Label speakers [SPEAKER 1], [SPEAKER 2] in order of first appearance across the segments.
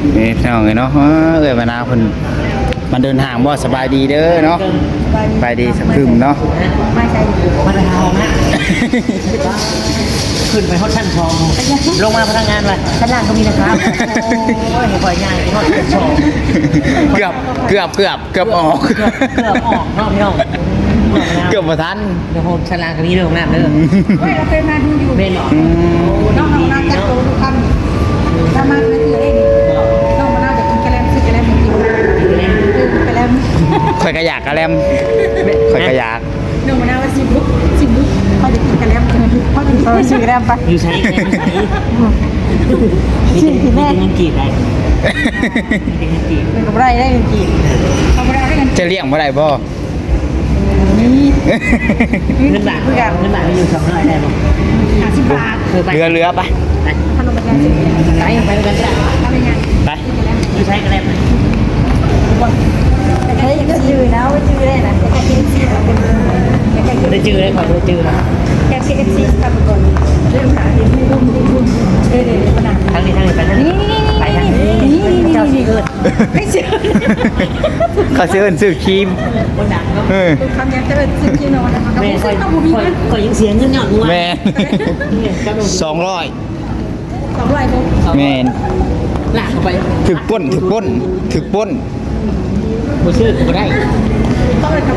[SPEAKER 1] นี่พี่น้องเนาะเอ้ยมะนาวเพิ่นมันเดินทางบ่สบายดีเด้อเนาะสบายดีสักคืมเนาะ
[SPEAKER 2] ไม่ใช่มาทองฮะขึ้นไปฮอดชั้นทองลงมาพนักงานไปชั้นล่างก็มีนะครับโอ้ยปล่อยง่ายฮอดชั้นทอง
[SPEAKER 1] เกือบออก
[SPEAKER 2] เกือบออกเนาะพี่น้อง
[SPEAKER 1] เกือบบ่ทัน
[SPEAKER 2] เดี๋ยวผมชั้นล่างก็มีเรื่องน้ำเด้อ
[SPEAKER 3] เฮ้ยเราเคยมาดูอยู่
[SPEAKER 2] เบนหรอ
[SPEAKER 3] น้องนาจักโตทุกคำถ้ามาไม่คือเองน้องมะนาวจะกินกระแลมซื้อกระแลมกินกระแลม
[SPEAKER 1] ข่อยก็อยากกะแลมข่อยก็อยาก
[SPEAKER 3] น้องมะนาวว่าสิบลุกเขาจะกินกระแลมเขาจะซื้อกระแลมไป
[SPEAKER 2] อยู่ใช้มีเงินกีบได้มีเงินกีบ
[SPEAKER 3] เป็นกับไรได้เงินกี่เขาไม่ได้ให้เงิน
[SPEAKER 1] จะเลี้ยงบ่ได้บ่
[SPEAKER 3] นี่
[SPEAKER 2] เงินบาทมีอยู่200ได้ป่ะ
[SPEAKER 3] 50 บาท
[SPEAKER 1] เรือไป
[SPEAKER 3] ขนมปังสิไปด้วยกันจ้ะทำยังไง
[SPEAKER 1] ไป
[SPEAKER 2] อยู่ใช้กันได้ไหม
[SPEAKER 3] เฮ้ยก็จืดนะว่าจืดได้นะแต่แค่KFCเป็นแค่
[SPEAKER 2] ได้จื้อได้ขอได้จื้อนะ
[SPEAKER 3] KFC ทำก่อนเรื่องหาที่พุ่มเดี๋ยวขนาด
[SPEAKER 2] ทางนี้ไปทางนี้ไปทางนี้เจ้าชื่อเกิด
[SPEAKER 3] ไม่เชื่อ
[SPEAKER 1] เขาซื้อซื้อครีม
[SPEAKER 2] คนดังก็
[SPEAKER 3] คำยังจะเป็นสิ่งที่นอนนะคะ
[SPEAKER 2] แม่
[SPEAKER 3] ก็ต้องมีมัน
[SPEAKER 2] ก็ยังเสียเงินหยอดงัว
[SPEAKER 1] แม่200
[SPEAKER 3] 200ปุ๊บ
[SPEAKER 1] แม่น
[SPEAKER 2] หลากเข้าไป
[SPEAKER 1] ถึกป้น
[SPEAKER 2] บ่ชื่อก็ได้
[SPEAKER 3] ต้องเลยครับ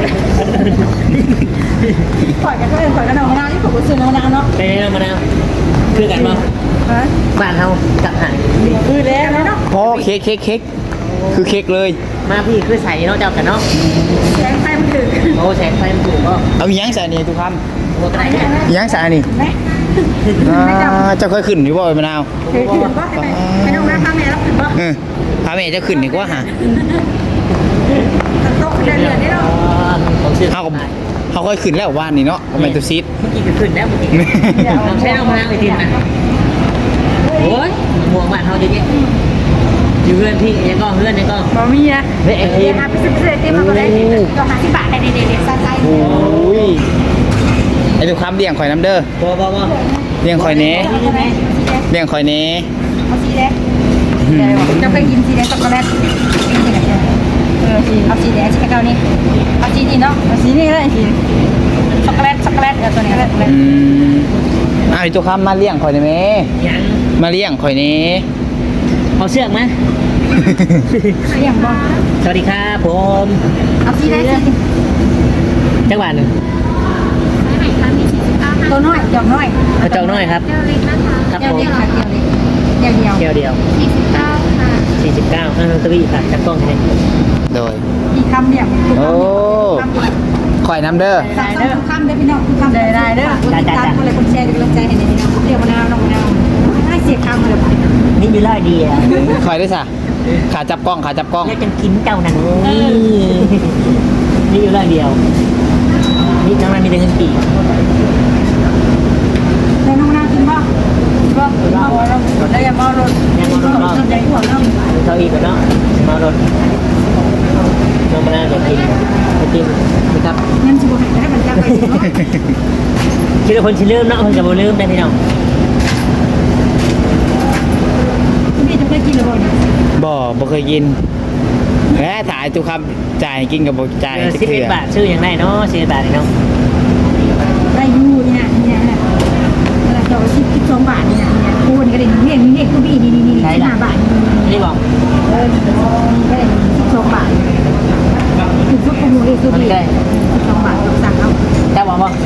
[SPEAKER 3] ปล่อยกันก็เลยปล่อยกันเอามะนาวที่ผมซื้อมะนาวเนาะ
[SPEAKER 2] ไปแล้วมะนาวคือกันบ่บ้านเฮาจับหาย
[SPEAKER 3] คือแล้วเนาะ
[SPEAKER 1] พอเค้กคือเค้กเลย
[SPEAKER 2] มาพี่คือใส่เนาะเจ้ากันเนาะ
[SPEAKER 3] แสงไฟมันถึง
[SPEAKER 2] โอ้แสงไฟมันถูกก็
[SPEAKER 1] เอาอีหยังใส่นี่ทุกค
[SPEAKER 2] โอ้ก็ได้
[SPEAKER 1] ำอีหยังใส่นี่
[SPEAKER 3] ไหม
[SPEAKER 1] เจ้าเคยขึ้นอยู่บ่มะนาว
[SPEAKER 3] คือว่าให้น้องน้าพาแม่รับถึงป่ะ
[SPEAKER 1] พาแม่เจ้าขึ้นดีกว่าฮะ
[SPEAKER 3] โต๊ะเดือนนี่เนาะ
[SPEAKER 2] ผมชื่อ
[SPEAKER 1] เขาค่อยขึ้นแล้วว่านนี่เนาะแมนตูซิด
[SPEAKER 2] เมื่อกี้ก็ขึ้นแล้วเมื่อกี้ลองใช้น้องมะนาวไปทีนะโอ้ยม่วงบ้านเฮาเยอะๆอยู่เพื่อนพี่ยังก็เพื่อนยังก็
[SPEAKER 3] บะหมี่นะ
[SPEAKER 2] เฮ้ยไอ้ที
[SPEAKER 3] เดี๋ยวพาไปซื้อเต็มมาก็ได้ก็50 บาทได้เด็ดๆใส่
[SPEAKER 1] โอ้ยไอ้ทุกคำเลี้ยงข่อยน้ำเด้อ
[SPEAKER 2] บ่
[SPEAKER 1] เลี้ยงข่อยเน้เลี้ยงข่อยเน้
[SPEAKER 3] เอาสีแดงจะไปกินสีแดงช็อกโกแลตเอาสีแดงสีเก้านี่เอาสีนี้เนาะเอาสีนี้เลยสีช็อกโกแลตตัวนี้
[SPEAKER 1] ไอ้ทุกคำมาเลี้ยงข่อยได้ไหม
[SPEAKER 2] ยัง
[SPEAKER 1] มาเลี้ยงข่อยเน้
[SPEAKER 2] เอาเชือกไหม
[SPEAKER 3] อย่างบอล
[SPEAKER 2] สวัสดีครับผม
[SPEAKER 3] เอาสีแดง
[SPEAKER 2] จังหวัดหนึ่ง
[SPEAKER 3] ตัวน้อยจอกน้อย
[SPEAKER 2] กระเจ้าน้อยครับครับ
[SPEAKER 3] เดียว
[SPEAKER 2] ผม
[SPEAKER 3] เดียวค่ะเดียว
[SPEAKER 2] เดียว
[SPEAKER 3] 49ค่ะ
[SPEAKER 2] 49ตะวีค่ะจักกล้องให้
[SPEAKER 1] โดย
[SPEAKER 3] อีกคำเดียว
[SPEAKER 1] โอ้ข่อยน้ำเด้อ
[SPEAKER 3] ได้เด้อคำได้พี่น้องคำได้เด้อติดตามคนเลยคนแชร์กำลังใจให้พี่น้องเดี๋ยวมะนาวน้องมะนาวให้เสียคำเลย
[SPEAKER 2] นี่มีร้อยดีอ่ะ
[SPEAKER 1] ข่อยได้สะขาจับกล้อง
[SPEAKER 2] แล้วจะกินเจ้านั่นนี่อยู่ร้อยเดียวนี่น้ำมันมีแต่เงินกี่
[SPEAKER 3] แล้วน้องมะนาวกินป่ะแล้วอย่ามารถใจหัวน้อง
[SPEAKER 2] เท่าอีกแล้วเนาะมารถน้องมาจะกินนะครับ
[SPEAKER 3] งั้นชิบุให้มันจับไปเนาะ
[SPEAKER 2] คิดว่าคนชิลืมเนาะคนจะบ่ลืมได้พี่น้อง
[SPEAKER 3] พี่จะไปกินหรือเปล่าเนี่ย
[SPEAKER 1] บ่เคยกินแหมถ่ายทุกคำจ่ายกินกับบ่จ่ายจะเกลือ
[SPEAKER 2] 11 บาทชื่ออย่างไรเนาะ11 บาทเนาะ
[SPEAKER 3] ได้ยูเนี่ยแล้วก็12 บาทเนี่ยคูณก็ได้นี่คูบี้นี่5 บาท
[SPEAKER 2] นี่บอก
[SPEAKER 3] ก็ได้12 บาทถึงพวกคูบี้คูบี้12 บาทสั่งเอา
[SPEAKER 2] เจ้าบอกว่า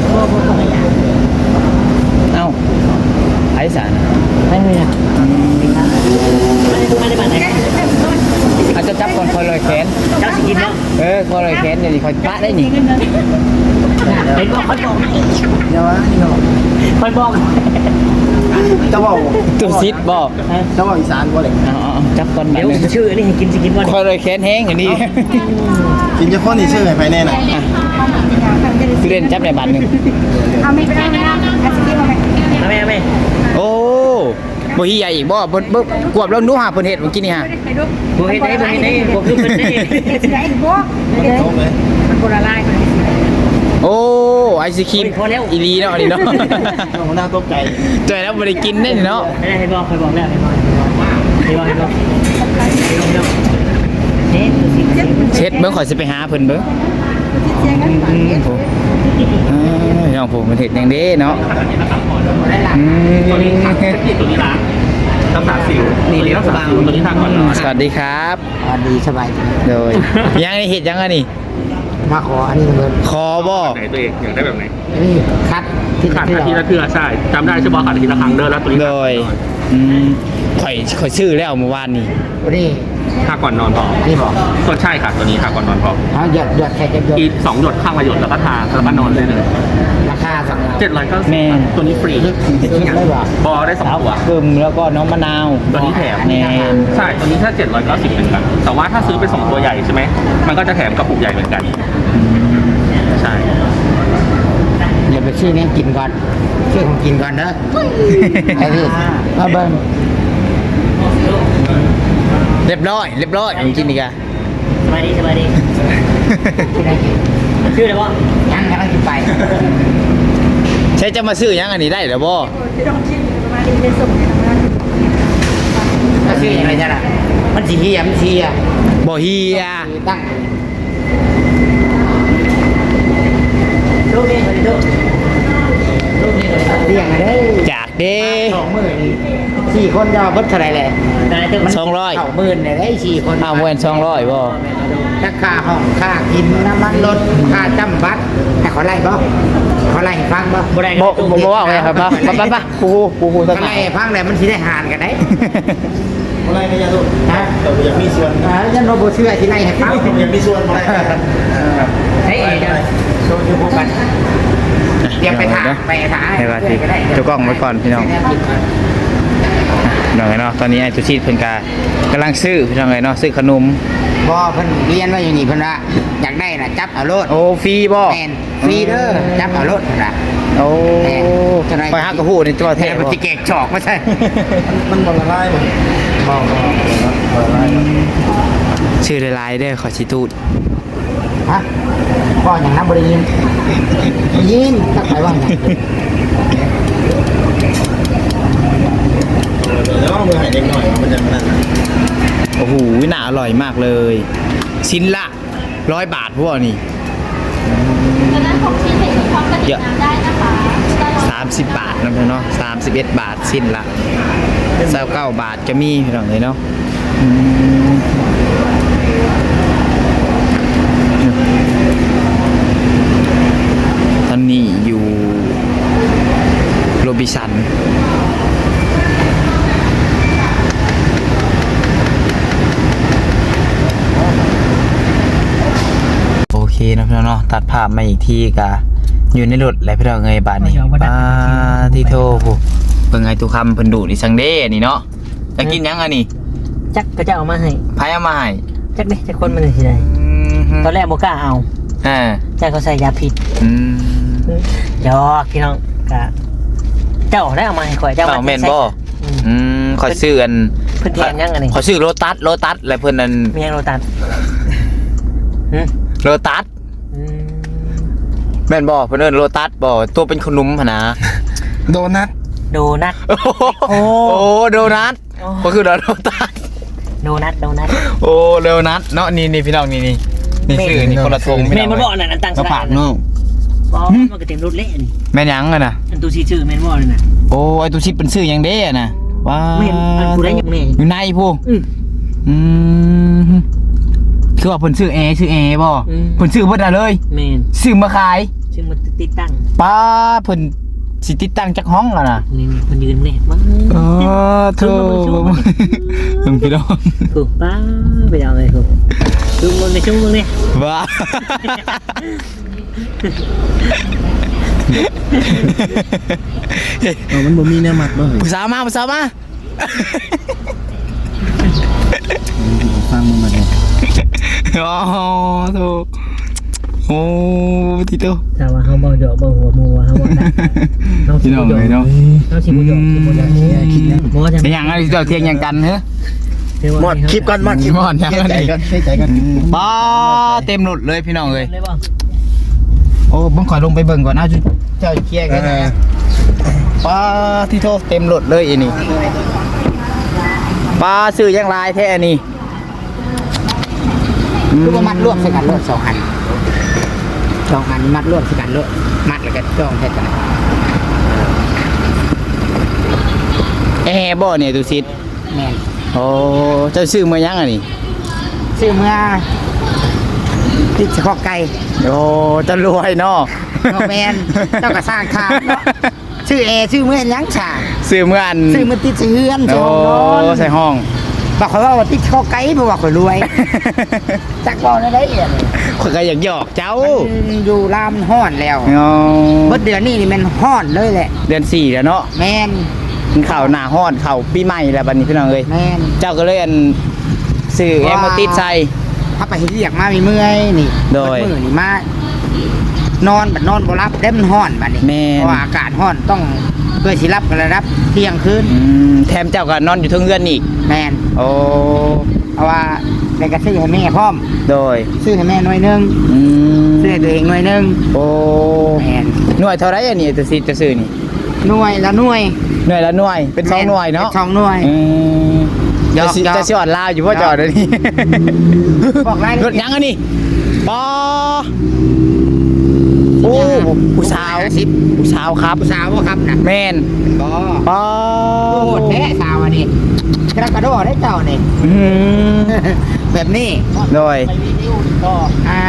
[SPEAKER 1] เอ้าไอ้สาร
[SPEAKER 2] ไม่มีนะไม่ได้บาทไหน
[SPEAKER 1] อาจจะจับคนคอยลอยแขน
[SPEAKER 2] เจ้าสิกินเนาะ
[SPEAKER 1] คอยลอยแขนเดี๋ยวนี้คอยปะได้นี่
[SPEAKER 2] เห็นบอกคนบอก
[SPEAKER 1] เดี๋ยวนี่เขา
[SPEAKER 2] คนบอก
[SPEAKER 4] จะบอก
[SPEAKER 1] ตัวซิดบ่
[SPEAKER 4] จะบอกอีสานบ่เลย
[SPEAKER 1] จับคนแบ
[SPEAKER 2] เดี๋
[SPEAKER 1] บ
[SPEAKER 2] ยว
[SPEAKER 1] นึง
[SPEAKER 2] ชื่อนี่ให้กินสิกินวัน
[SPEAKER 1] คอยลอยแขนแห้งอย่างนี้
[SPEAKER 4] กินจะพ่นนี่ชื่อไงภายในน่ะ
[SPEAKER 1] เล่นจับในบันหนึ่ง
[SPEAKER 3] เอาไม่ไปได้นะอาชีพมาไหม
[SPEAKER 2] เอาไหม
[SPEAKER 1] โอ้บ่ฮีใหญ่อีกบ่กวบแล้วนู้หาเพิ่นเฮ็ดเมื่อกี้นี่ฮะ
[SPEAKER 3] ไปดู
[SPEAKER 2] บ่เฮ็ดได้บ่คือเพิ่นได้
[SPEAKER 3] สิได้อีกบ่มันโบราณลายคนนี้
[SPEAKER 1] โอ้ไอศครีมอีลีเนาะอันนี้เนาะ
[SPEAKER 4] หัวหน้าตกใจ
[SPEAKER 1] ใจแล้วบ่ได้กินได้เนาะ
[SPEAKER 2] ให้บอกแล้วให้บอก
[SPEAKER 1] เช็ดเบิ่งข่อยสิไปหาเพิ่นเบิ่ง
[SPEAKER 3] เสียงกันปากเย็น
[SPEAKER 1] น้องผมมันเห็ดอย่างเด้เนาะ
[SPEAKER 5] ตัวนี้ทางเทคนิคตัวนี้ล้างรักษาสิวนี่รักษาสิวตัวนี้ทางก่อนนอน
[SPEAKER 1] สวัสดีครับ
[SPEAKER 2] ดีสบายดี
[SPEAKER 1] โดยยังไงเห็ดยังไงนี่
[SPEAKER 2] มาขออันนี้เงิน
[SPEAKER 1] คอบ่
[SPEAKER 5] ไหนตัวเองอยากได้แบบไหน
[SPEAKER 2] นี่คัดที่
[SPEAKER 5] ขาดอาทิตย์ละเทื่อใช่จำได้ใช่ป่ะขาดอาทิตย์ละครั้งเด้อแล้วตัวนี้
[SPEAKER 1] โดยข่อยชื่อแล้วเมื่อวานนี้
[SPEAKER 2] นี่
[SPEAKER 5] ทาก่อนนอนพอ
[SPEAKER 2] นี่บอก
[SPEAKER 5] ก็ใช่ค่ะตัวนี้ทาก่อนนอนพอ
[SPEAKER 2] เขาหยดแค่จะหยด
[SPEAKER 5] อีก2 หยดข้างละหยดแล้วก็ทาแล้วก็นอนเลยเลย
[SPEAKER 2] ราคาสั่ง
[SPEAKER 5] 790ตัวนี้ฟรี
[SPEAKER 2] ซื้อได้ป่ะ
[SPEAKER 5] บอได้2 ตัว
[SPEAKER 1] กึมแล้วก็น้องมะนาว
[SPEAKER 5] ตัวนี้แถม
[SPEAKER 1] แน่
[SPEAKER 5] ใช่ตัวนี้ถ้า790เหมือนกันแต่ว่าถ้าซื้อเป็น2 ตัวใหญ่ใช่ไหมมันก็จะแถมกระปุกใหญ่เหมือนกันใช่
[SPEAKER 2] เดี๋ยวไปซื้อนี้กินก่อนซื้อของกินก่อนเด้อไอ้พี่มาเบิ้ง
[SPEAKER 1] เรียบร้อยผมกินอีกอะ
[SPEAKER 2] สบายดีที่ไหนกินชื่ออะไรวะยังกำลังกินไป
[SPEAKER 1] ใช่จะมาซื้อยังอันนี้ได้หรือบ่
[SPEAKER 3] ที่ต้องชิมประมาณนี้ได้ส่งในทำงาน
[SPEAKER 2] ก็ชื่อยังไงจ๊ะล่ะมันสีเฮียมันสีอ่ะ
[SPEAKER 1] บ่เฮีย
[SPEAKER 2] ตั้งลูกนี่คนลูกนี่คนเรียงอะไร
[SPEAKER 1] จากเด้
[SPEAKER 2] 4 คนจะวัดเท่าไรเลย
[SPEAKER 1] 200
[SPEAKER 2] เข่าหมื่นเนี่ยได้4 คน
[SPEAKER 1] อ้าวเว้น200บ่
[SPEAKER 2] ราคาห้องค่ากินน้ำมันรถค่าจำบัตรให้เขาไล่บ่เขาไล่ให้ฟังบ่
[SPEAKER 1] บ่ว่าไงครับไปครู
[SPEAKER 2] เขาไล่ให้ฟังเลยมันสิได้หารกันได้
[SPEAKER 4] อะไรไม่ยากลูก
[SPEAKER 2] ฮะ
[SPEAKER 4] แต่อยากมีส่วน
[SPEAKER 2] ยันโรบเชื่อที่ไล่ให้ฟัง
[SPEAKER 4] อยากมีส่วนอะไร
[SPEAKER 2] เฮ้ยเดี๋ยวโชว์อยู่พวกกันเดี๋ยวไปถามไปถาม
[SPEAKER 1] ให้ว่าที่เจ้ากล้องไว้ก่อนพี่น้องน้องเนาะตอนนี้ไอ้ตุชีพเพิ่นกำลังซื้อพี่น้องเนาะซื้อขนม
[SPEAKER 2] บ่เพิ่นเรียนว่าอยู่นี่เพิ่นว่าอยากได้น่ะจับเอาโลด
[SPEAKER 1] โอ้ฟรีบ่
[SPEAKER 2] แม่นฟรีเด้อจับเอาโลดเพิ่นว่า
[SPEAKER 1] โอ้ไปฮักกระหู้นี่ตัว
[SPEAKER 2] แท้
[SPEAKER 1] แท้
[SPEAKER 2] มัน
[SPEAKER 1] บ่
[SPEAKER 2] สิเกกจอกไม่ใช่
[SPEAKER 4] มันบอลละลายหมดบอลละลาย
[SPEAKER 1] ชื่อหลายๆเด้อขอสิตูด
[SPEAKER 2] ฮะพ่ออย่างนั้นบ่ได้ยินยินสักไปว่าหยัง
[SPEAKER 4] แล้วเอามือหายเด็กหน่อยมันจะขนาดนั้น
[SPEAKER 1] โอ้โหน่าอร่อยมากเลยชิ้นละ100 บาทพวกนี่
[SPEAKER 6] ดังนั้นของชิ้นเห็นพร้อมกระดิ่งน้ำได้นะคะ
[SPEAKER 1] 30 บาทนะเพื่อนเนาะ31 บาทชิ้นละ29 บาทจะมีพี่น้องเลยเนาะตอนนี้อยู่โรบินสันโอเคนะพี่น้องเนาะตัดภาพมาอีกทีกะอยู่ในรถแล้วพี่น้องเงยบาทนี่ป้าที่โทผู้เบิ่งไงตุคำเพิ่นดูนี่สังเด้นี่เนาะจะกินยังอันนี้
[SPEAKER 2] จักก็จะเอามาให้
[SPEAKER 1] ไผเอามาให้
[SPEAKER 2] จักเด้จักคนมันสิได้ตอนแรกบ่กล้าเอา
[SPEAKER 1] อ่า
[SPEAKER 2] จักเขาใส่ยาพิษ
[SPEAKER 1] อืม
[SPEAKER 2] หยอกพี่น้องกะเจ้าได้เอามาให้ข่อยเจ้า
[SPEAKER 1] เจ้าแม่นบ่
[SPEAKER 2] อืม
[SPEAKER 1] อืมขอยซื้ออัน
[SPEAKER 2] เพิ่นแทนยังอันนี้
[SPEAKER 1] ขอยซื้อโลตัสแล้วเพิ่นนั่น
[SPEAKER 2] มียังโรตัสหึ
[SPEAKER 1] โลตัส
[SPEAKER 2] อืม
[SPEAKER 1] แม่นบ่เพิ่นเอิ้นโลตัสบ่ตัวเป็นขนมหั่นนะ
[SPEAKER 4] โดนัท
[SPEAKER 2] โดนัท
[SPEAKER 1] โอ้โดนัท
[SPEAKER 2] โอ้
[SPEAKER 1] ก็คือโลตัส
[SPEAKER 2] โดนัท
[SPEAKER 1] โอ้โดนัทเนาะนี่พี่น้องนี่ชื่อนี่คนละทง
[SPEAKER 2] แม่นบ่บอกนั่นอันตั้ง
[SPEAKER 1] ก็
[SPEAKER 2] ส
[SPEAKER 1] ผ่า
[SPEAKER 2] ลาน ก
[SPEAKER 1] เนาะ
[SPEAKER 2] บ่มันก็เต็มรถเละนี่
[SPEAKER 1] แม่นยังอะน่ะ
[SPEAKER 2] อันตัวชื่อแม่นบ่เลยน่ะ
[SPEAKER 1] โอ้ไอ้ตัวชิปเป็นชื่อหยังเด้อะน่ะว้า
[SPEAKER 2] แม่นอันกูได้ยังแม่
[SPEAKER 1] อยู่ในผู้
[SPEAKER 2] อืม
[SPEAKER 1] คือว่าเพิ่นชื่อแอบ่
[SPEAKER 2] อืม
[SPEAKER 1] เพิ่นชื่อเพิ่นน่ะเลย
[SPEAKER 2] แม่น
[SPEAKER 1] ซื้อมาขาย
[SPEAKER 2] ซึ่งมันติดตั้ง
[SPEAKER 1] ป้าเพิ่นสิติดตั้งจักห้องอ่ะน่ะ
[SPEAKER 2] นี่มันยืนนี่มั้ง
[SPEAKER 1] โธ่เพิ่นพี่น้อง
[SPEAKER 2] ถูกป้าไปเอาเลยถูกดูมึงในช่วงมึงนี่
[SPEAKER 1] ว้า
[SPEAKER 4] มันบ่มีเนื้อหมักบ่เหรอ
[SPEAKER 1] ผู้สาวมา
[SPEAKER 4] ฟังมันมาเลย
[SPEAKER 1] อ๋อโธ่โอ้ติโต
[SPEAKER 2] แต่ว่าเขาบอกหยอกบอกหัวมัวเขาบอกได้เขา
[SPEAKER 1] พี่น้องเลยเนาะ
[SPEAKER 2] เขาชิบุหยอกคิดนะมัวจะ
[SPEAKER 1] เป็นหยังไงเจ้าเที่ยงหยังกันเหรอ
[SPEAKER 4] หมดคลิปก่อนหมดคลิป
[SPEAKER 1] หมดยังไง
[SPEAKER 4] ใจกันใจกัน
[SPEAKER 1] ป้าเต็มรถเลยพี่น้องเลย
[SPEAKER 2] เลยบ่
[SPEAKER 1] โอ้บังขอยลงไปเบิ่งก่อนนะจุเจ้าเคลียร์กันนะป้าที่โทษเต็มรถเลยอันนี้ป้าซื้อยังลายแท้อันนี้
[SPEAKER 7] คือว่ามัดรวมใส่กันรวด2 อันมัดรวมใส่กันรวดมัดแล้วก็จ้องใส่กัน
[SPEAKER 1] แอร์บ่เนี่ยตุสิต
[SPEAKER 7] แม่น
[SPEAKER 1] โอ้เจ้าซื้อมายังอ่ะนี่
[SPEAKER 7] ซื้อเมื่อติดข้อไก่
[SPEAKER 1] โอ้เจะรวยเนาะ
[SPEAKER 7] ก็แม่นเจ้าก็สร้างคานเนาะชื่อแอร์ชื่อเมื่อยังฉาก
[SPEAKER 1] ซื้อเมื่ออัน
[SPEAKER 7] ซื้อมันติดเฮือน
[SPEAKER 1] โอ้ใส่ห้อง
[SPEAKER 7] บอกเขาว่าติดข้อไก่เพราะว่าข่อยรวยจักบ่ได้เอียด
[SPEAKER 1] ข่อยก็อยากหยอกเจ้า
[SPEAKER 7] มันอยู่ลามฮ้อนแล้ว
[SPEAKER 1] อ๋อ
[SPEAKER 7] เบิดเดือนนี้นี่มันฮ้อนเลยแหละ
[SPEAKER 1] เดือน4แล้วเนาะ
[SPEAKER 7] แม่น
[SPEAKER 1] มันเข้าหน้าฮ้อนเข้าปีใหม่แล้วบัดนี้พี่น้องเอ้ย
[SPEAKER 7] แม่น
[SPEAKER 1] เจ้าก็เลยอันซื้อแอร์มาติดใส่
[SPEAKER 7] ถ้าไปเรียกมามีเมื่อยนี่
[SPEAKER 1] โดย
[SPEAKER 7] เบิมื้อนี่มานอนบัดนอนบ่รับได้มันฮ้อนบัดนี้
[SPEAKER 1] แม่น
[SPEAKER 7] เพราะว่าอากาศฮ้อนต้องเพื่อสิรับกันระดับเที่ยงคืน
[SPEAKER 1] แถมเจ้าก็นอนอยู่เทึงเรือนอีก
[SPEAKER 7] แม่น
[SPEAKER 1] โอ้
[SPEAKER 7] เพราะว่าได้ก็ซื้อให้แม่พร้อม
[SPEAKER 1] โดย
[SPEAKER 7] ซื้อให้แม่หน่วยหนึง
[SPEAKER 1] อืม
[SPEAKER 7] ซื้อให้ตัวเองหน่วยหนึง
[SPEAKER 1] โอ้
[SPEAKER 7] แม่น
[SPEAKER 1] หน่วยเท่าไรอันนี้จะซื้อนี่
[SPEAKER 7] หน่วยละหน่วย
[SPEAKER 1] หน่วยละหน่วยเป็น2หน่วยเนาะ
[SPEAKER 7] ป็2หน่วย
[SPEAKER 1] อืม
[SPEAKER 7] หยอก
[SPEAKER 1] จะสิ
[SPEAKER 7] หยอก
[SPEAKER 1] จะสิอ่อนลาวอยู่พ่อจอดเดี๋ยวนี้
[SPEAKER 7] บอกรายละเอียด
[SPEAKER 1] รถยังอันนี้ปอโอ้ผู้สาว
[SPEAKER 7] 50
[SPEAKER 1] ผู้สาวครับ
[SPEAKER 7] ผู้สาวบ่ครับน่ะ
[SPEAKER 1] แม่น
[SPEAKER 7] บ่
[SPEAKER 1] ปอ
[SPEAKER 7] โอ้โหแท้สาวอันนี้กระโดดได้เจ้านี่
[SPEAKER 1] อืม
[SPEAKER 7] แบบนี้
[SPEAKER 1] โดย
[SPEAKER 7] อ่า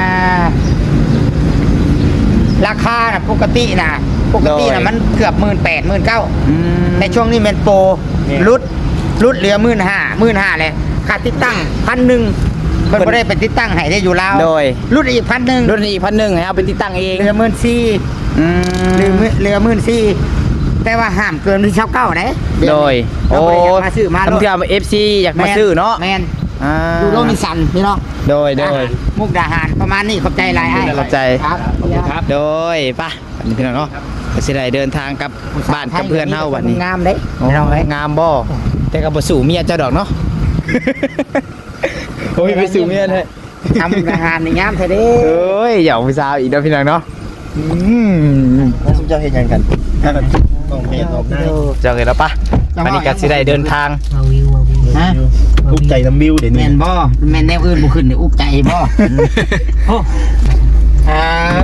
[SPEAKER 7] ราคาน่ะปกติน่ะมันเกือบ 18,000 19,000
[SPEAKER 1] อืม
[SPEAKER 7] ในช่วงนี้เป็นโปรรุดเหลือ 15,000เลยค่าติดตั้ง 1,000เพิ่นบ่ได้ไปติดตั้งให้ได้อยู่ลาว
[SPEAKER 1] โดย
[SPEAKER 7] รุดอีก 1,000
[SPEAKER 1] รถอีก1,000ให้เอาไปติดตั้งเอง
[SPEAKER 7] เหลือ 14,000
[SPEAKER 1] อืม
[SPEAKER 7] เหลือ 14,000แต่ว่าห้ามเกินที่9,000เด้
[SPEAKER 1] โดย
[SPEAKER 7] โอ้มาซื้อมา
[SPEAKER 1] ทำเทื่อ FC อยากมาซื้อเนาะ
[SPEAKER 7] แม่น
[SPEAKER 1] อ่า
[SPEAKER 7] ดูโลมิสันพี่น้อง
[SPEAKER 1] โดย
[SPEAKER 7] มุกดาหารประมาณนี้ขอบใจหลายอ้าย
[SPEAKER 1] ขอบใจ
[SPEAKER 7] ครับ
[SPEAKER 1] โดยป่ะวันนี้พี่น้องเนาะก็สิได้เดินทางกับบ้านกับเพื่อนเฮาวันนี้
[SPEAKER 7] งามเด้
[SPEAKER 1] โอ้งามบ่แต่ก็บ่สู่เมียเจ้าดอกเนาะ โอ้ยไปสู่เมียแท้
[SPEAKER 7] ทำมุกดาหารนี่งามแท้เด้
[SPEAKER 1] เอ้ยอย่าผู้สาวอีกเด้อพี่น้องเนาะอืม
[SPEAKER 4] แล้วสุเจ้าเฮ็ดหยังกันต้องเฮ็ดออกได้
[SPEAKER 1] เจ้าเห็นแล้วป่ะวันนี้ก็สิได้เดินทาง
[SPEAKER 2] มาวิวมาวิว
[SPEAKER 7] ฮะ
[SPEAKER 4] ทุกใจน้ำบิวเดี๋ยวนี้
[SPEAKER 7] แม่นบ่แม่นแนวอื่นบ่ขึ้นนี่อุกใจบ่โอ้อ่า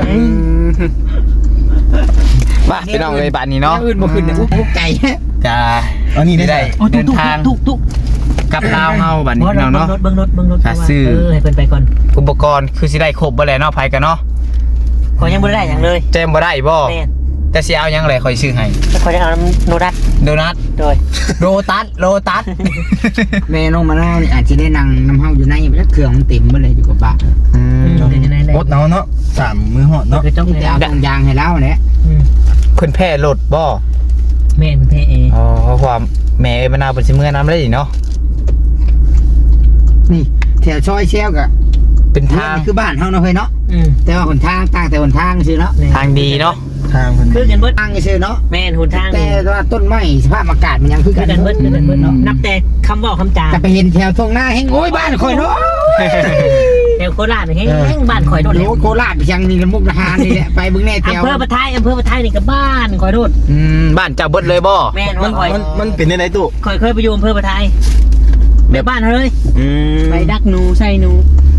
[SPEAKER 1] ป่ะพี่น้องเลยบ้านนี้เนาะ
[SPEAKER 7] แนวอื่นบ่ขึ้นนี่อุกใจ
[SPEAKER 1] จะ
[SPEAKER 4] อันนี้ได้
[SPEAKER 1] ได้เดินทาง
[SPEAKER 2] ทุก
[SPEAKER 1] กับลาวเฮาบัดนี้พี่น้องเนาะ
[SPEAKER 2] เบิ้งรถ
[SPEAKER 1] อ่ะซื้อ
[SPEAKER 2] ให้เพิ่นไปก่อน
[SPEAKER 1] อุปกรณ์คือสิได้ครบบ่แหละเนาะไผกันเนาะ
[SPEAKER 2] ขอยังบ่ได้หยังเลย
[SPEAKER 1] แจมบ่ได้บ่
[SPEAKER 2] แม่น
[SPEAKER 1] แต่สิเอาหยังแหละค่อยซื้อให้
[SPEAKER 2] ขอยังเอาน้ำโนดัต
[SPEAKER 1] โดนัท
[SPEAKER 2] โดย
[SPEAKER 1] โรตัส
[SPEAKER 7] แม่น้องมะนาวนี่อาจจะได้นั่งน้ำเฮาอยู่ในแล้วเครื่องมันเต็มเบ่เลยอยู่กับบ้าน
[SPEAKER 4] โคตรเนาะ3มื้อฮอดเนาะ
[SPEAKER 2] คือจ้อง
[SPEAKER 7] จะเอาตรงยางให้แล้วแหละ
[SPEAKER 1] เพิ่นแพ้รถบ่
[SPEAKER 2] แม่เป็นเทเอ
[SPEAKER 1] อ๋อเพราะความแม่เอ้ยมะนาวเพิ่นสิเมื่อน้ำได้ดิเนาะ
[SPEAKER 7] นี่แถวซอยเชลก็
[SPEAKER 1] เป็นทาง
[SPEAKER 7] นี่คือบ้านเฮาเนาะเฮ้ยเนาะ
[SPEAKER 2] อืม
[SPEAKER 7] แต่ว่าหนทางต่างแต่หนทางซื่อเนาะ
[SPEAKER 1] ทางดีเนาะ
[SPEAKER 4] ทางเพิ่น
[SPEAKER 2] คือกันเบิด
[SPEAKER 7] ทางซื่อเนาะ
[SPEAKER 2] แม่นหนทาง
[SPEAKER 7] แต่
[SPEAKER 2] นี่
[SPEAKER 7] ว่าต้นไม้สภาพอากาศมันยังคือ
[SPEAKER 2] คื
[SPEAKER 7] กั
[SPEAKER 2] อน กันเบิดเนาะนับแต่คำเว่าคำจา
[SPEAKER 7] จะไปเห็นแถวตรงหน้าแห้งโอ้ยบ้านข่อยเนาะ
[SPEAKER 2] แถวโคราชนี่แห้งบ้านข่อยโดด
[SPEAKER 7] โล
[SPEAKER 2] แล้ว
[SPEAKER 7] โคราชไปยังนี่ละมุกดาหารนี่แหละไปเบิ่งแน่แถว
[SPEAKER 2] อำเภอปะไทยนี่ก็บ้านข่อยโดด
[SPEAKER 1] บ้านเจ้าเบิดเลยบ่
[SPEAKER 2] แม่น
[SPEAKER 4] มั
[SPEAKER 2] ว่านข่อย
[SPEAKER 4] มันเป็นได้ไหนตู้
[SPEAKER 2] ข่อยเคยไปอยู่อำเภอปะไทยไปบ้านเขาเลย
[SPEAKER 1] อืม
[SPEAKER 2] ไปดักหนูใส่หนู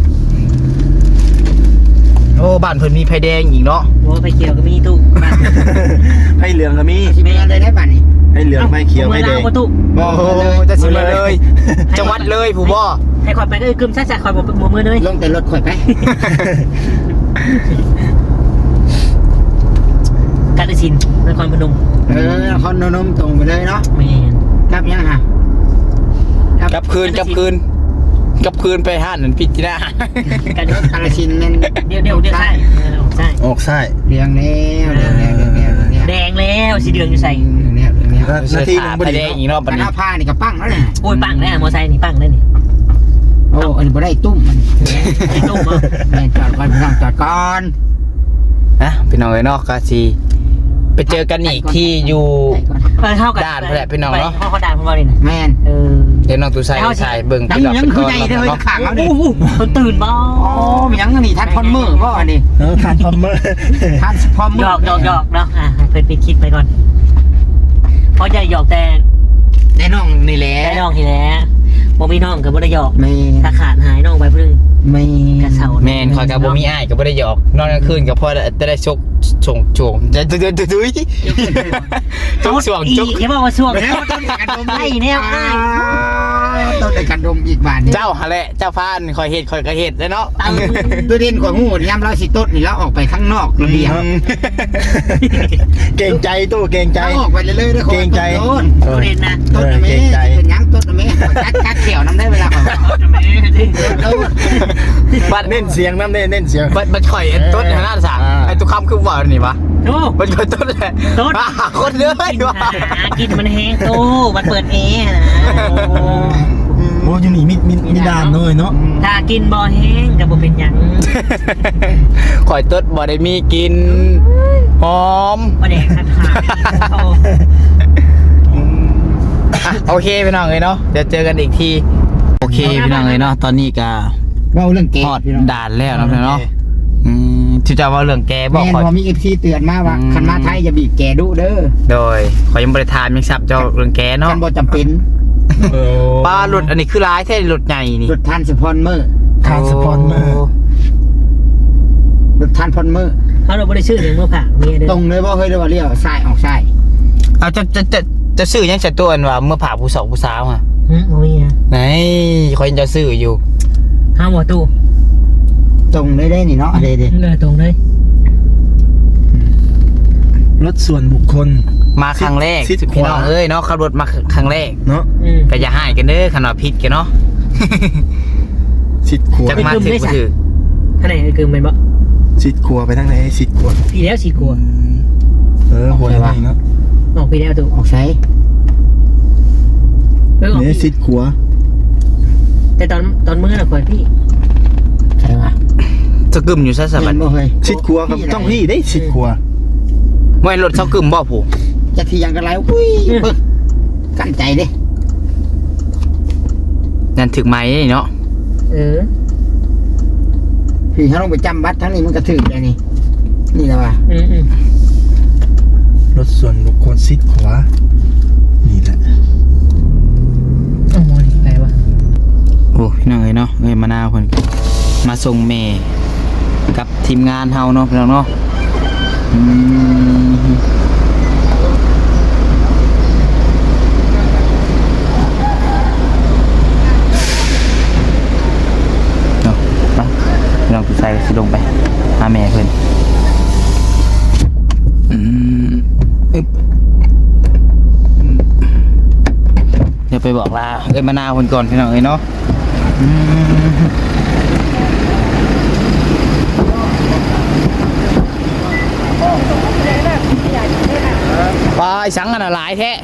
[SPEAKER 1] โอ้บ้านเพิ่นมีไฟแดงอีกเนาะ
[SPEAKER 2] โอ้ไปเกี่ยวก็มีตู้บ้าน
[SPEAKER 4] ให้เหลืองก็มี
[SPEAKER 7] สิไปยังได้บ้านนี่
[SPEAKER 4] ให้เหลืองไม่เขียวไม่แดง
[SPEAKER 2] ประตู
[SPEAKER 1] โอ้โหจะสิมาเลย จังหวัดเลยผู้บ่
[SPEAKER 2] ให้ข่อยไปก็กึมซ่าๆข่อยบ่มือเลย
[SPEAKER 7] ลงแต่รถข่อยไป
[SPEAKER 2] กาฬสินธุ์นครพนม
[SPEAKER 7] นครนมตรงไปเลยเนาะ
[SPEAKER 2] แม่น
[SPEAKER 7] กลับยังฮะ
[SPEAKER 1] กลับคืนไปห้านนั่นพิจิตร
[SPEAKER 2] กัน
[SPEAKER 7] กาฬสินธุ์นั่น
[SPEAKER 2] เดี๋ยวใช่ใช่
[SPEAKER 4] ออกซ้าย
[SPEAKER 7] เรียงแล้วเรียงแล้ว
[SPEAKER 2] แดงแล้วสีเดืองอยู่ใส่
[SPEAKER 1] ใช่ค่ะไฟแดงอีกเนาะบัด
[SPEAKER 7] ห
[SPEAKER 1] นี้
[SPEAKER 7] น้าผ้านี่ก็ปั้งแล้วเนี่ย
[SPEAKER 2] โอ้ยปังแน่มอไซค์นี่ปังแน่นี่
[SPEAKER 7] โอ้อันนี้บ่ได้ตุ้มมัน
[SPEAKER 2] ไอ้ตุ้ม
[SPEAKER 7] แม่จอดก่อนพี่น้องจอดก่อน
[SPEAKER 1] นะพี่น้องเอ้ยเนาะก็สิไปเจอกันอีกที่อยู่
[SPEAKER 2] เข้ากัน
[SPEAKER 1] ด่านแหละพี่น้องเนาะ
[SPEAKER 2] เขาด่านของเราเลยนะ
[SPEAKER 7] แม่น
[SPEAKER 1] เดี๋ยวน้องตูใส่เบิ่ง
[SPEAKER 7] ยังคือใจเด้อข้างแล้วนี่
[SPEAKER 2] คนตื่นบ้า
[SPEAKER 7] โอ้ยังนี่ทัดพอนมือบ่อันนี้
[SPEAKER 4] ทานพอมเมอร์
[SPEAKER 7] ทัดพอนมื
[SPEAKER 2] หยอกเนาะเพิ่นไปคิดไปก่อนเพราะจะหยอกแต่
[SPEAKER 7] ได้น้องนี่แหละ
[SPEAKER 2] ได้น้องทีแล้วบ่มีน้องก็บ่ได้หยอก
[SPEAKER 7] ไม่
[SPEAKER 2] ถ้าขาดหายน้องไปเพิ่ง
[SPEAKER 7] ไม่
[SPEAKER 2] กระเซา
[SPEAKER 1] แม่นคอยกับบ่มีอ้ายก็บ่ได้หยอกนอนกลางคืนก็พอจะได้ชกชงจะดุยชกช่วง
[SPEAKER 2] อี
[SPEAKER 1] ชก
[SPEAKER 2] อย่าบอกว่าช่วงนะไอ้แนวอ้าย
[SPEAKER 7] ต้นในกันดมอีกบานนี้
[SPEAKER 1] เจ้าหะแหละเจ้าพานคอยเฮ็ดคอยก็เฮ็ดแล้วเนาะ
[SPEAKER 7] ตัวเด่นกว่างูยามเราสิต้นนี่แล้วออกไปข้างนอกระเบียง
[SPEAKER 4] เก่งใจตู้เก่งใจ
[SPEAKER 7] เราออกไปเรื่อยๆด้วย
[SPEAKER 4] เกรงใจ
[SPEAKER 7] ต้น
[SPEAKER 2] ตัวเด่นนะ
[SPEAKER 7] ต้นนะแม่เป็นยังต้นนะแม่กัดเขียวน้ำได้เวลาของ ต้น
[SPEAKER 1] บัด
[SPEAKER 4] เน้นเสียงน้ำเน้นเสียง
[SPEAKER 1] บัดข่อยไอ้ต้นหน้าสางไอ้ตุกคำคือว่านี่วะ
[SPEAKER 2] โอ้
[SPEAKER 1] มันก็ต้นแหละ
[SPEAKER 2] ต้น
[SPEAKER 1] คนเด้อ
[SPEAKER 2] กิน
[SPEAKER 1] ว่ะ
[SPEAKER 2] หากินมันแห้งตู้มันเปิดแอร์นะ
[SPEAKER 4] โอ้ยนี่มีดานเลยเนาะ
[SPEAKER 2] ถ้ากินบ่แห้งก็บ่เป็นหยัง
[SPEAKER 1] ข่อยต้นบ่ได้มีกินหอม
[SPEAKER 2] บ่ได้ขาดขาด
[SPEAKER 1] อ่ะโอเคพี่น้องเลยเนาะเดี๋ยวเจอกันอีกทีโอเคพี่น้องเลยเนาะตอนนี้ก็
[SPEAKER 7] เราเรื่องเก
[SPEAKER 1] ฮอดด่านแล้วนะพี่น้องเนาะที่จะว่าเรื่องแกบอก
[SPEAKER 7] แม่
[SPEAKER 1] ข่อย
[SPEAKER 7] พอมีเอฟซีเตือนมาว่าคันมาไทยอย่าบีบแกดุเด้อ
[SPEAKER 1] โดยข่อยยังบริทานยังซับเจ้าเรื่องแกเนาะ
[SPEAKER 7] คันบ่จำเป็น
[SPEAKER 1] ปลาหลุดอันนี้คือร้ายแท้หลุดใหญ่นี่
[SPEAKER 7] รถทานสปอนเมอร์
[SPEAKER 4] ทานสปอนเมอร์
[SPEAKER 7] รถทานพอนเมอร์
[SPEAKER 2] เขาเราบ่ได้ชื่อหยังเมื่อผ่าเมียเด้อ
[SPEAKER 7] ตรงเลยบ่เฮ้ยเรียกว่าเลี้ยวซ้ายออกซ้าย
[SPEAKER 1] เอาจะซื้อยังจะตัวอันว่าเมื่อผ่าผู้สาวผู้สาวอ่ะ
[SPEAKER 2] บ่มีนะ
[SPEAKER 1] ไหนข่อยยังจะซื้ออยู่
[SPEAKER 2] ห้ามบ่ตู้
[SPEAKER 7] ตรงเลยได้นี่เนาะเด้
[SPEAKER 2] เลยตรงเลย
[SPEAKER 4] รถส่วนบุคคล
[SPEAKER 1] มาครั้งแรก
[SPEAKER 4] ชิดขวา
[SPEAKER 1] พี่น้องเอ้ยเนาะขับรถมาครั้งแรก
[SPEAKER 4] เนาะ
[SPEAKER 1] ก็อย่าให้กันเด้อขนาดผิดกันเนาะ
[SPEAKER 4] ชิดขัว
[SPEAKER 1] จักมาถึงบ่ถือ
[SPEAKER 2] ข้างในคือมันบ่
[SPEAKER 4] ชิดขัวไปทางไหนชิดขัว
[SPEAKER 2] พี่แล้วสิกลัว
[SPEAKER 4] หัวไหนเนาะ
[SPEAKER 2] ออกพี่แล้วตู้
[SPEAKER 7] ออกซ้าย
[SPEAKER 2] ออก
[SPEAKER 4] นี่ชิดขัว
[SPEAKER 2] แต่ตอนมื้อน่ะข่อยพี่
[SPEAKER 7] ใช่ป่ะ
[SPEAKER 1] จะกึมอยู่ซะสบัด
[SPEAKER 7] บ่เฮ้ย
[SPEAKER 4] ชิดขัวกับต้องพี่ได้ชิดขัว
[SPEAKER 1] ไม่รถเซากึมบ่ผู้
[SPEAKER 7] จะที่ยังกันไรอุ้ยเบิ่งกั้นใจเด้
[SPEAKER 1] นั่นถึงไหมเนาะ
[SPEAKER 7] พี่เขาต้องไปจำบัตรทั้งนี้มันก็ถึกเลยนี่นี่แหละว่ะ
[SPEAKER 4] รถส่วนบุคคลชิดขวานี่แหละ
[SPEAKER 2] เอาหมดไปวะ
[SPEAKER 1] โอ้พี่น้องเอ้ยเนาะเอ้ยมะนาวเพิ่นก็มาส่งแม่กับทีมงานเฮาเนาะพี่น้องเนาะเนาะไปพี่น้องผู้ชายก็สิลงไปหาแม่เพิ่นอึ๊บเดี๋ยวไปบอกลาเอ้ยมะนาวเพิ่นก่อนพี่น้องเอ้ยเนาะปลาไอ้สังกันน่ะหลายแท้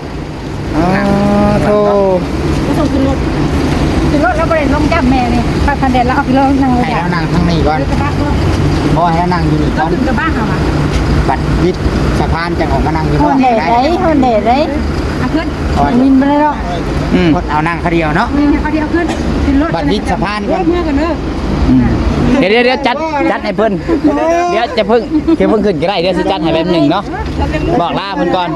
[SPEAKER 1] โธ่
[SPEAKER 3] ก็ส่งขึ้นรถแล้วประเด็นลงจับแม่นี่ป้าพันเด็ดแล้วเอาขึ้นรถนั่งเลย
[SPEAKER 7] ให้เรานั่งข้างนี้ก่อน
[SPEAKER 3] กระบะก็
[SPEAKER 7] เพราะให้เรานั่งอยู่นี่ก่
[SPEAKER 3] เรา
[SPEAKER 7] อน
[SPEAKER 3] ขึ้นกระบะเขาอ่ะ
[SPEAKER 7] บัดวิดสะพานจะออกมานั่งอยู่
[SPEAKER 3] คน
[SPEAKER 7] น
[SPEAKER 3] เด็ด
[SPEAKER 7] ได้
[SPEAKER 3] ไรคนเด็ดไรเอาขึ้นมินไปเลยหรอก
[SPEAKER 7] กดเอานั่งเขาเดียวเนาะ
[SPEAKER 3] นี่เขาเดียวขึ้นรถ
[SPEAKER 7] บัดวิดสะพานก่อน
[SPEAKER 3] เมื่อกันเนอะ
[SPEAKER 1] เดี๋ยวจัดให้เพิ่นเดี๋ยวจะเพิ่งขึ้นก็ได้เดี๋ยวสิจัดให้แป๊บหนึงเนาะบอกลาเพิ่นก่อน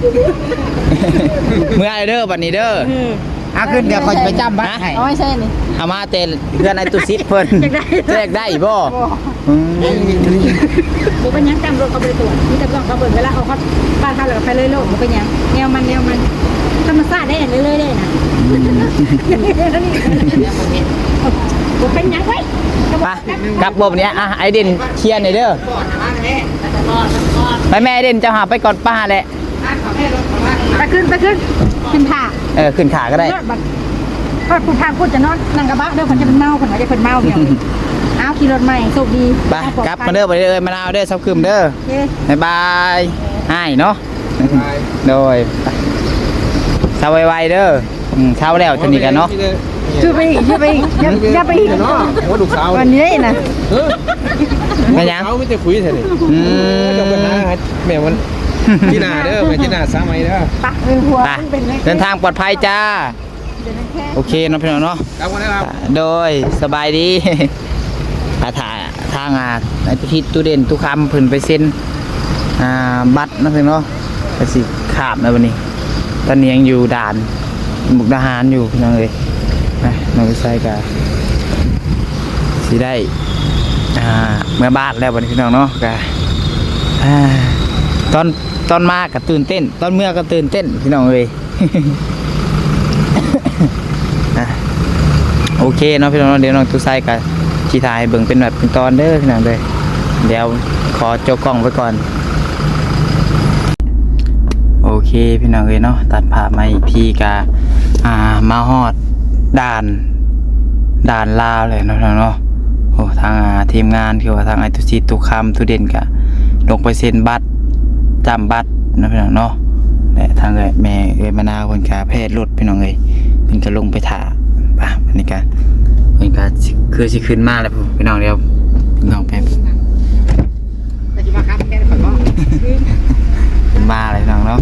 [SPEAKER 1] เมื่อเด้อบัดนี้เด้อ
[SPEAKER 7] เอาขึ้นเดี๋ยวคอยไปจำบัตรให้
[SPEAKER 3] เอาไม่ใช่นี่
[SPEAKER 1] เอามาเตเพื่อนไอ้ตุซิดเพิ่นแจกได้บ่
[SPEAKER 3] บุเป็นยังจำรถเขาไปตรวจมีแต่กล้องเขาเปิดเวลาเอาเขาบ้านเขาเลยไปเลยโลกบุเป็นยังแนวมันธรรมชาติได้เรื่อยๆได้นะบุเป็นยังไง
[SPEAKER 1] ไปกลับบ่บัดนี้อ่ะไอเด่นเคลียร์หน่อยเด้อไปแม่ไอเด่นเจ้าหาไปก่อนป้าแหละ
[SPEAKER 3] ไปขึ้นผ่า
[SPEAKER 1] ขึ้นขาก็ได้
[SPEAKER 3] ก็ผู้ทางพูดจะนอนนั่งกระบะเด้อคนจะเป็นเมาคนจะเป็นเมาเนี่ยเอาขี่รถใหม่โชคดี
[SPEAKER 1] ไปกลับมาเด้อไปเด้อมะนาวเด้อซับคืมเด้อบ๊ายบายให้เนาะโดยเช้าไวๆเด้อเช้าแล้วทีนี้กันเนาะ
[SPEAKER 3] ช่วยไปอีกอย่าไปอีก
[SPEAKER 4] เนาะว่าลูกสาว
[SPEAKER 3] วันนี้ได้นะ
[SPEAKER 1] ไม่ยัง
[SPEAKER 4] เขาไม่จะคุยเท่านี้จะไปหาแม่มันที่นาเด้อแม่ที่นาสามัยเด้อ
[SPEAKER 3] ปะหัว
[SPEAKER 1] ไปเดินทางปลอดภัยจ้าโอเคเนาะพี่น้องเนาะ
[SPEAKER 4] ครับวันนี้ครับ
[SPEAKER 1] โดยสบายดี ทางในพิธีตู้เด่นตู้คำเพิ่นไปเซ็นบัตรนะเพิ่นเนาะก็สิขาบนะวันนี้ ตอนนี้ยังอยู่ด่านมุกดาหารอยู่พี่น้องเอ้ยน้องชายก็สิได้เมื่อบ้านแล้วบัดนี้พี่น้องเนาะก็ตอนมาก็ตื่นเต้นตอนเมื่อก็ตื่นเต้นพี่น้องเอ้ย โอเคเนาะพี่น้องเดี๋ยวน้องตุ้ยไส้กับชีทายเบิ่งเป็นแบบเป็นตอนเด้อพี่น้องเด้อเดี๋ยวขอโจกกล้องไว้ก่อนโอเคพี่น้องเอ้ยเนาะตัดภาพมาอีกทีกะมาฮอดด่านลาวเลยเนาะพี่น้องเนาะโอ้ทางทีมงานคือว่าทางไอตุซีตุคำตุเด่นกะลงไปเซ็นบัตรจำบัตรนะพี่น้องเนาะและทางแม่มะนาวคนกะแพทย์รถพี่น้องเอ้ยเพิ่นก็ลงไปถ่าป่ะอันนี้ก็เพิ่นก็คือสิขึ้นมาแล้วพี่น้องเดี๋ยวพี่น้องแป๊บ
[SPEAKER 7] แต่จะมาครับแค่ได้ผลบ่
[SPEAKER 1] ขึ้นมาเลยพี่น้องเนาะ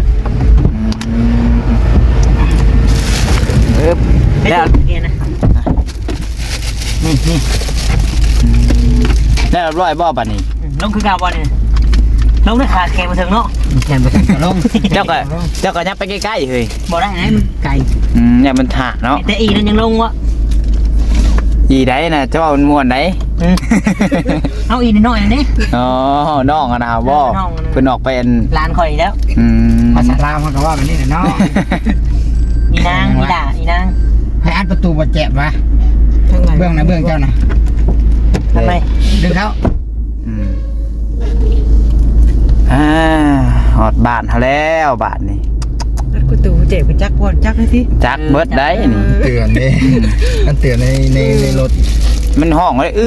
[SPEAKER 1] แล้ว
[SPEAKER 2] เกียร์นะ
[SPEAKER 1] นี่แล้วร้อยบ่บัดนี้
[SPEAKER 2] ลงคือกาวบอลเนี่ยลงด้วยขาแข็งมาถึงเนาะ
[SPEAKER 7] แข่งไปกันก็ลง
[SPEAKER 1] เจ้าก็ยังไปใกล้ๆเฮ้ย
[SPEAKER 2] บอกได้ไงมันไก่
[SPEAKER 1] เนี่ยมันถ่าเนาะ
[SPEAKER 2] แต่อีนั่นยังลงวะ
[SPEAKER 1] อีไดน่ะเจ้ามันม่วนได
[SPEAKER 2] เอาอีน้อยนี่
[SPEAKER 1] อ๋อน้องอะนะบ่
[SPEAKER 2] น้องอะนะ
[SPEAKER 1] เพิ่นออกไปอัน
[SPEAKER 2] ลานคอยแล้ว
[SPEAKER 7] ภาษาลาวมันก็ว่าแบบนี้แหละเนาะ
[SPEAKER 2] อีนางอีด่าอีนาง
[SPEAKER 7] ให้อัดประตูบ่แจ็บวะเบื้องนะเบื้องเจ้านะ
[SPEAKER 2] ทำไม
[SPEAKER 7] ดึงเขา
[SPEAKER 1] หอดบ้านเฮาแล้วบ้านนี่
[SPEAKER 3] กูตู่เจ็บกูจักบ่จักให้ที
[SPEAKER 1] จักเบิดได้นี่
[SPEAKER 4] เตือนนี่มันเตือนในรถ
[SPEAKER 1] มันห้องเลย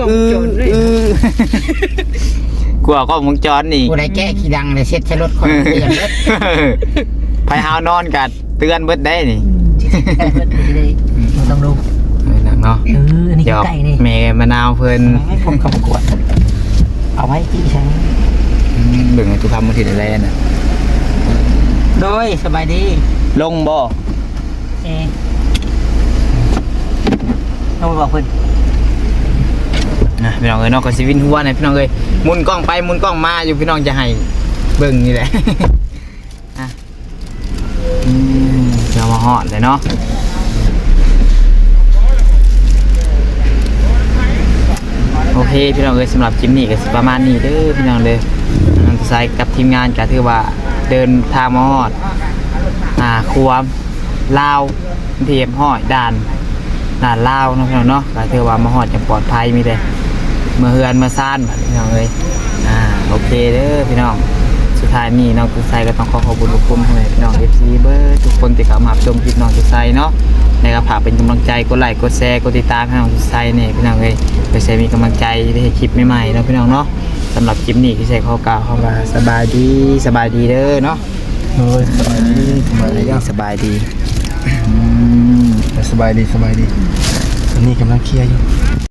[SPEAKER 1] กลัวก็วงจรนี่
[SPEAKER 7] ผู้ใดแก้ขี้ดังเลยเช็ดใช้รถคนเปลี่ยนรถ
[SPEAKER 1] ไปหานอนกันเตือนเบิดได้นี่
[SPEAKER 2] ต้องรู้
[SPEAKER 1] เนาะ
[SPEAKER 2] อันนี้
[SPEAKER 1] เดี๋ยว
[SPEAKER 2] ไก่นี่
[SPEAKER 1] แม่มะนาวเพิ่น
[SPEAKER 2] ให้ผมขับกวดเอาไว้ที่ใช้
[SPEAKER 1] เบิ่งให้ทุกคำมันสิได้แลน่ะ
[SPEAKER 2] โดยสบายดี
[SPEAKER 1] ลงบ่
[SPEAKER 2] ต้องไปบอกเพื่อน
[SPEAKER 1] พี่น้องเอ้ยเนาะก็สิวินหัวเนี่ยพี่น้องเอ้ยหมุนกล้องไปหมุนกล้องมาอยู่พี่น้องจะให้เบิ่งนี่แหละ เดี๋ยวมาฮอดเลยเนาะโอเคพี่น้องเอ้ยสำหรับคลิปนี้ก็สิประมาณนี้เด้อพี่น้องเด้อน้องสายกับทีมงานก็ถือว่าเดินทางมาฮอดความลาวเทียมฮอดด่านลาวเนาะพี่น้องเนาะก็ถือว่ามาฮอดอย่างปลอดภัยมีแต่เมื่อเฮือนมาซ่านบัดพี่น้องเอ้ยโอเคเด้อพี่น้องสุดท้ายนี้น้องตุ้ยไซก็ต้องขอบคุณทุกคนให้พี่น้อง FC เบอร์ทุกคนที่เข้ามาชมคลิปน้องตุ้ยไซเนาะในกระผาเป็นกำลังใจกดไลค์กดแชร์กดติดตามให้น้องตุ้ยไซเนี่ยพี่น้องเอ้ยเพื่อจะมีกำลังใจได้ให้คลิปใหม่ๆเนาะพี่น้องเนาะสำหรับคลิปนี้ที่ใส่ข้อกล่าวเข้ามาสบายดีเด้อเนาะ
[SPEAKER 4] สบายดี
[SPEAKER 1] สบายดี
[SPEAKER 4] สบายดีอันนี้กำลังเคลียร์อยู่